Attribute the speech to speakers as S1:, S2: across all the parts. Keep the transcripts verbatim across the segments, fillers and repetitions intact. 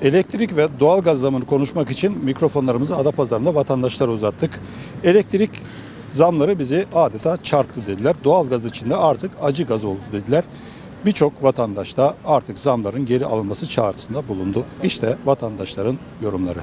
S1: Elektrik ve doğalgaz zamını konuşmak için mikrofonlarımızı Adapazarı'nda vatandaşlara uzattık. Elektrik zamları bizi adeta çarptı dediler. Doğalgaz için de artık acı gaz oldu dediler. Birçok vatandaş da artık zamların geri alınması çağrısında bulundu. İşte vatandaşların yorumları.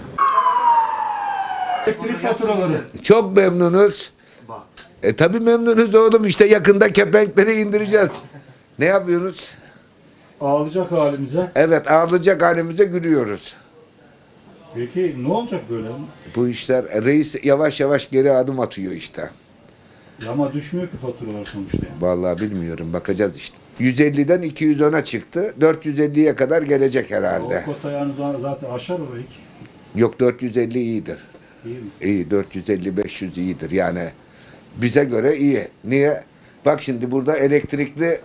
S1: Elektrik faturaları.
S2: Çok memnunuz. E tabii memnunuz oğlum, işte yakında kepenkleri indireceğiz. Ne yapıyoruz?
S1: Ağlayacak halimize.
S2: Evet, ağlayacak halimize gülüyoruz.
S1: Peki ne olacak böyle?
S2: Bu işler, reis yavaş yavaş geri adım atıyor işte.
S1: Ya ama düşmüyor ki faturalar sonuçta. Yani.
S2: Vallahi bilmiyorum, bakacağız işte. yüz elliden iki yüz ona çıktı. dört yüz elliye kadar gelecek herhalde.
S1: O kota yani zaten aşar orayı ki.
S2: Yok, dört yüz elli iyidir.
S1: İyi mi?
S2: İyi, dört yüz elli beş yüz iyidir yani. Bize göre iyi. Niye? Bak şimdi burada elektrikli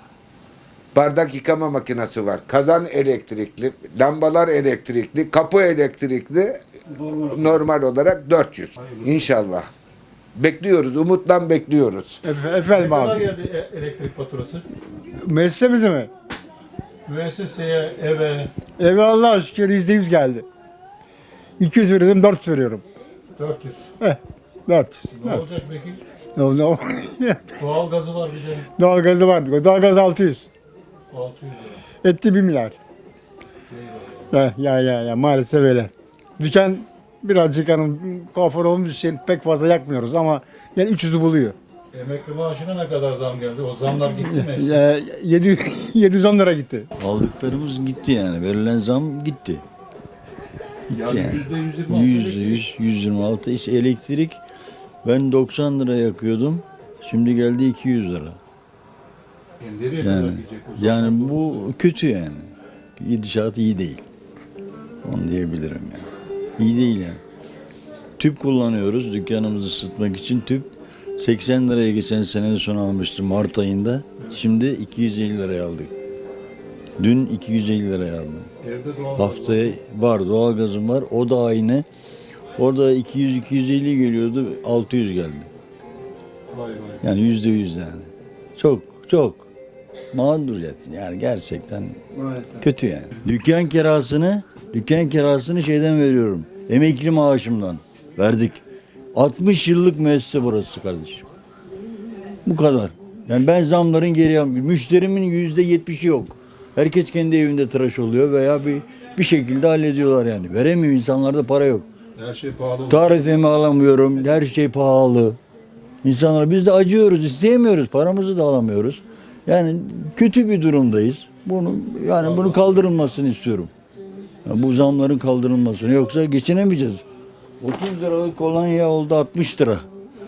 S2: bardak yıkama makinesi var. Kazan elektrikli, lambalar elektrikli, kapı elektrikli.
S1: Normal.
S2: Normal olarak dört yüz.
S1: Hayırlısı.
S2: İnşallah. Bekliyoruz, umutla bekliyoruz.
S3: Efe-
S1: Ne
S3: Efendim
S1: kadar
S3: abi.
S1: geldi e- elektrik faturası?
S3: Müessesemize mi?
S1: Müesseseye, eve
S3: Eve Allah'a şükür yüzde yüz geldi. iki yüz veriyordum, dört yüz veriyorum.
S1: dört yüz.
S3: Eh, dört yüz.
S1: Ne
S3: dört yüz.
S1: olacak peki?
S3: Ne oldu?
S1: Doğalgazı var bir de
S3: Doğalgazı var. Doğalgaz altı yüz.
S1: altı yüz lira.
S3: Etti bir milyar. Ya, ya ya ya maalesef öyle. Dükkan birazcık hani kuaför olduğumuz için pek fazla yakmıyoruz ama yani üç yüzü buluyor.
S1: Emekli maaşına ne kadar zam geldi? O zamlar gitti mi hepsi?
S3: Ya, yedi yedi yüz on lira gitti.
S4: Aldıklarımız gitti yani. Verilen zam gitti. Gitti
S1: Yani
S4: yani.
S1: yüzde yüz yirmi altı
S4: Yüzde yüz, yüz yirmi altı. İşte elektrik ben doksan lira yakıyordum. Şimdi geldi iki yüz lira.
S1: Yani nereye kadar
S4: Yani
S1: gidecek? O
S4: yani
S1: zamlar
S4: bu kötü yani. Gidişat iyi değil. Onu diyebilirim yani. İyi değil yani. Tüp kullanıyoruz dükkanımızı ısıtmak için. Tüp seksen liraya geçen sene son almıştım Mart ayında. Şimdi iki yüz elli liraya aldık. Dün iki yüz elli liraya aldım.
S1: Evde doğal
S4: Haftaya var, doğalgazım var. O da aynı. O da iki yüz iki yüz elli geliyordu. altı yüz geldi.
S1: Vay vay.
S4: Yani yüzde yüz yani. Çok çok mağduriyet. Yani gerçekten
S3: Maalesef.
S4: kötü yani. Dükkan kirasını, dükkan kirasını şeyden veriyorum. Emekli maaşımdan verdik. altmış yıllık müessese burası kardeşim. Bu kadar. Yani ben zamların geri almıyorum. Müşterimin yüzde yetmişi yok. Herkes kendi evinde tıraş oluyor veya bir bir şekilde hallediyorlar yani. Veremiyor, insanlarda para yok.
S1: Her şey pahalı.
S4: Tarifemi alamıyorum. Her şey pahalı. İnsanlar biz de acıyoruz, isteyemiyoruz. Paramızı da alamıyoruz. Yani kötü bir durumdayız. Bunu yani bunu kaldırılmasını istiyorum. Ya bu zamların kaldırılmasını, yoksa geçinemeyeceğiz. otuz liralık kolonya oldu altmış lira.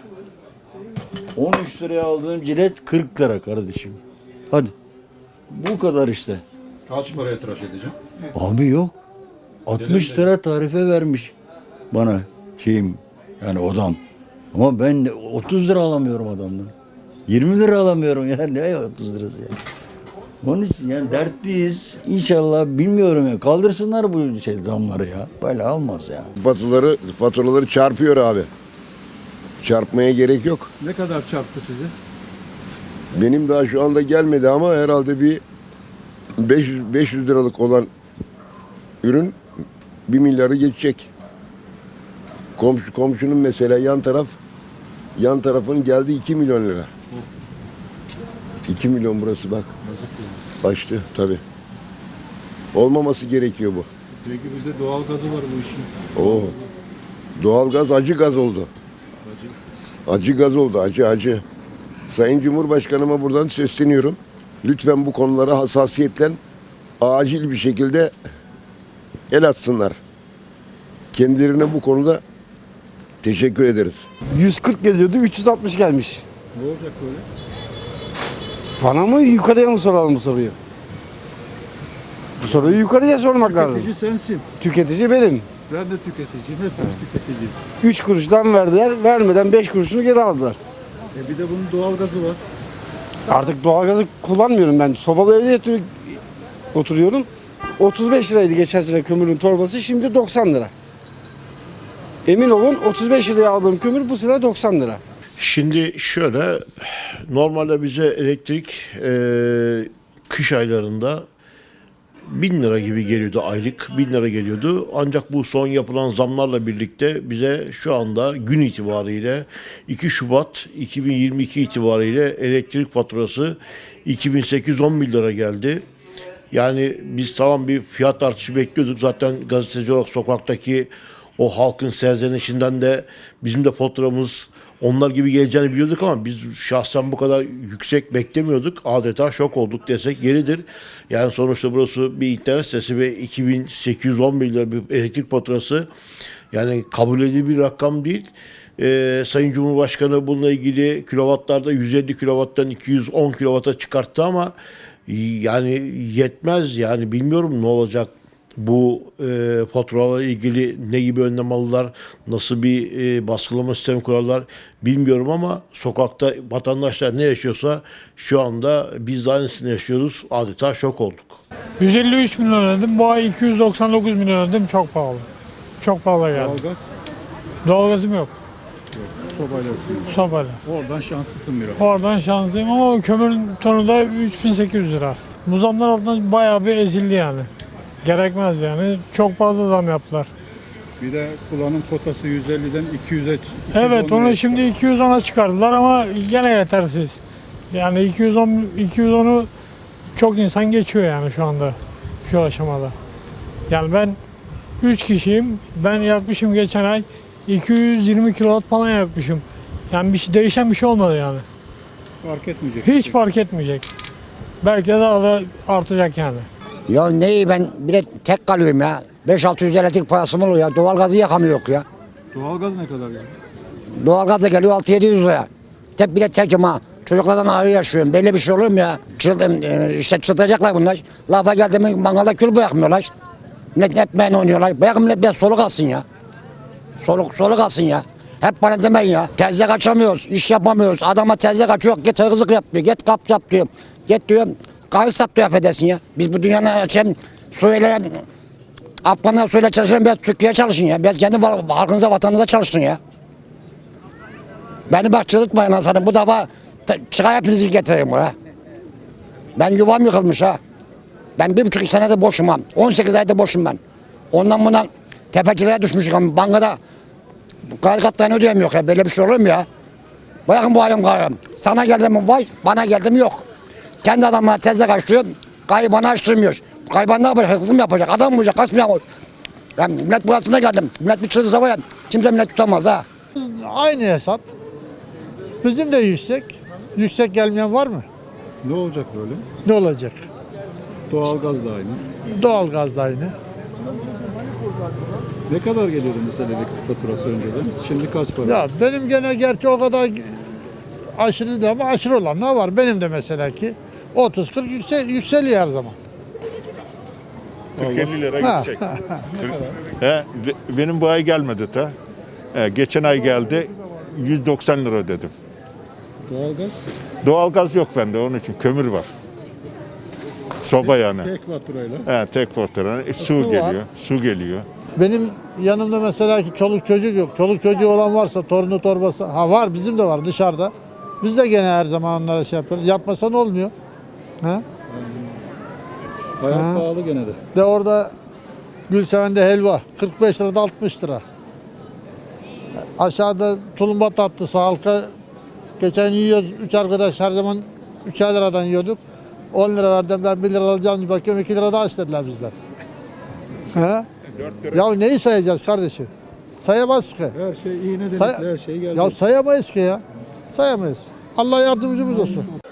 S4: on üç liraya aldığım cilet kırk lira kardeşim. Hadi. Bu kadar işte.
S1: Kaç paraya tıraş edeceğim?
S4: Abi yok. altmış lira tarife vermiş bana şeyim, yani odam. Ama ben de otuz lira alamıyorum adamdan. yirmi lira alamıyorum ya, ne otuz lirası ya. Onun için yani dertliyiz. İnşallah bilmiyorum ya, kaldırsınlar bu şey zamları ya. Böyle olmaz ya.
S5: Faturaları, faturaları çarpıyor abi. Çarpmaya gerek yok.
S1: Ne kadar çarptı sizi?
S5: Benim daha şu anda gelmedi ama herhalde bir beş yüz, beş yüz liralık olan ürün bir milyarı geçecek. Komşu komşunun mesela yan taraf yan tarafın geldi iki milyon lira. iki milyon burası bak. Açtı tabii. Olmaması gerekiyor bu.
S1: Peki bizde doğal gazı var bu işin.
S5: Oo. Doğalgaz acı gaz oldu. Acı gaz oldu, acı acı. Sayın Cumhurbaşkanıma buradan sesleniyorum. Lütfen bu konulara hassasiyetle acil bir şekilde el atsınlar. Kendilerine bu konuda teşekkür ederiz.
S6: yüz kırk geliyordu, üç yüz altmış gelmiş.
S1: Ne olacak böyle?
S6: Bana mı yukarıya mı soralım bu soruyu? Bu soruyu yukarıya sormak lazım.
S1: Tüketici sensin.
S6: Tüketici benim.
S1: Ben de tüketiciyim. Hepimiz tüketiciyiz.
S6: üç kuruştan verdiler, vermeden beş kuruşunu geri aldılar.
S1: E bir de bunun doğal gazı var.
S6: Artık doğalgazı kullanmıyorum ben. Sobalı evde yatıyor- oturuyorum. otuz beş liraydı geçen sene kömürün torbası, şimdi doksan lira. Emin olun otuz beş liraya aldığım kömür bu sene doksan lira.
S7: Şimdi şöyle, normalde bize elektrik e, kış aylarında bin lira gibi geliyordu aylık. Bin lira geliyordu. Ancak bu son yapılan zamlarla birlikte bize şu anda gün itibariyle iki Şubat iki bin yirmi iki itibariyle elektrik faturası iki bin sekiz yüz on bir lira geldi. Yani biz tamam bir fiyat artışı bekliyorduk. Zaten gazeteci olarak sokaktaki o halkın serzenişinden de bizim de faturamız onlar gibi geleceğini biliyorduk ama biz şahsen bu kadar yüksek beklemiyorduk. Adeta şok olduk desek yeridir. Yani sonuçta burası bir internet sitesi ve iki bin sekiz yüz on bir lira bir elektrik faturası yani kabul edilebilir bir rakam değil. Ee, Sayın Cumhurbaşkanı bununla ilgili kilovatlarda yüz elli kilovattan iki yüz on kilovata çıkarttı ama yani yetmez yani bilmiyorum ne olacak. Bu e, faturalarla ilgili ne gibi önlem alırlar, nasıl bir e, baskılama sistemi kurarlar bilmiyorum ama sokakta vatandaşlar ne yaşıyorsa şu anda biz de aynısını yaşıyoruz. Adeta şok olduk.
S8: yüz elli üç milyon ödedim. Bu ay iki yüz doksan dokuz milyon ödedim. Çok pahalı. Çok pahalı geldi.
S1: Doğalgaz,
S8: Doğalgazım yok.
S1: sobayla ısınıyor.
S8: Sobayla.
S1: Oradan şanslısın biraz.
S8: Oradan şanslıyım ama kömürün tonu da üç bin sekiz yüz lira. Bu zamlar altında bayağı bir ezildi yani. Gerekmez yani. Çok fazla zam yaptılar.
S1: Bir de kullanım kotası yüz elliden iki yüze çıktı.
S8: Evet onu şimdi iki yüz ona çıkardılar ama gene yetersiz. Yani iki yüz on iki yüz onu çok insan geçiyor yani şu anda şu aşamada. Yani ben üç kişiyim. Ben yakmışım geçen ay iki yüz yirmi kilowatt falan yakmışım. Yani bir şey, değişen bir şey olmadı yani.
S1: Fark etmeyecek.
S8: Hiç fark etmeyecek. Belki de daha da artacak yani.
S9: Ya neyi ben bir de tek kalıyorum ya. beş altı yüz elektrik parası mı oluyor ya? Doğalgazı yakamıyor ya.
S1: Doğalgaz ne kadar yani?
S9: Doğalgaz da geliyor altı yedi yüz liraya. Tek bir de tekim ha. Çocuklardan ayrı yaşıyorum. Böyle bir şey olur mu ya? Çıldım, işte çıldıracaklar bunlar. Lafa geldi mi mangalda kül bırakmıyorlar. Millet etmeyin oynuyorlar. Bırakın millet biraz soluk alsın ya. Soluk, soluk alsın ya. Hep bana demeyin ya. Tezle kaçamıyoruz, iş yapamıyoruz. Adama tezle kaçıyor, git hırsızlık yap diyor, git kap yap diyor. Git diyor, kahve sat diyor affedersin ya. Biz bu dünyanın açayım, suyla, Afganlar suyla çalışın, biraz Türkiye'ye çalışın ya. Biraz kendi halkınıza, vatanınıza çalışın ya. Beni bak çıldırtmayın lan sana. Bu defa çıkar hepinizi getireyim ha. Ben yuvam yıkılmış ha. Ben bir buçuk senede boşum ha. on sekiz ayda boşum ben. Ondan bundan tefeciliğe düşmüşüm. Bankada kredi kartlarını ödeyemiyor ya. Böyle bir şey olur mu ya? Bırakın bu ayım gayrım. Sana geldi mi vay, bana geldi mi yok. Kendi adamlar tezle kaçıyor. Gayrı bana açtırmıyor. Gayrı ne yapacak? Hırsızlık mı yapacak? Adam mı olacak? Kas mı yapacak? Ben millet burasına geldim. Millet bir çıldırsa var ya. Kimse millet tutamaz ha.
S10: Aynı hesap. Bizim de yüksek. Yüksek gelmeyen var mı?
S1: Ne olacak böyle?
S10: Ne olacak?
S1: Doğalgaz da aynı.
S10: Doğalgaz da aynı.
S1: Ne kadar geliyordu mesela elektrik faturası önceden? Şimdi kaç para?
S10: Ya benim gene gerçi o kadar aşırı değil ama aşırı olan ne var? Benim de mesela ki otuz kırk yüksel, yükseliyor her zaman.
S11: kırk elli lira
S10: Ha.
S11: gidecek. He, ve- benim bu ay gelmedi ta. He, geçen ay geldi. yüz doksan lira ödedim.
S1: Doğalgaz
S11: Doğalgaz yok bende onun için kömür var. Soba yani.
S1: tek faturayla.
S11: He, tek fatura. E, su
S10: Su var.
S11: geliyor. Su geliyor.
S10: Benim yanımda mesela ki çoluk çocuk yok. Çoluk çocuğu olan varsa torunu torbası. Ha var bizim de var dışarıda. Biz de gene her zaman onlara şey yapıyoruz. Yapmasan olmuyor. Ha?
S1: Hayat
S10: Ha.
S1: pahalı gene de.
S10: De orada Gülseven'de helva kırk beş lirada altmış lira. Aşağıda tulumba tatlısı halka geçen yiyoruz. Üç arkadaş her zaman üçer liradan yiyorduk. on lira verdim ben bir lira alacağım diye bakıyorum iki lira daha istediler bizden. He? Ya neyi sayacağız kardeşim? Sayamaz ki.
S1: Her şey iğne
S10: Say-
S1: delikli her şey geldi.
S10: Ya sayamayız ki ya. Sayamayız. Allah yardımcımız olsun.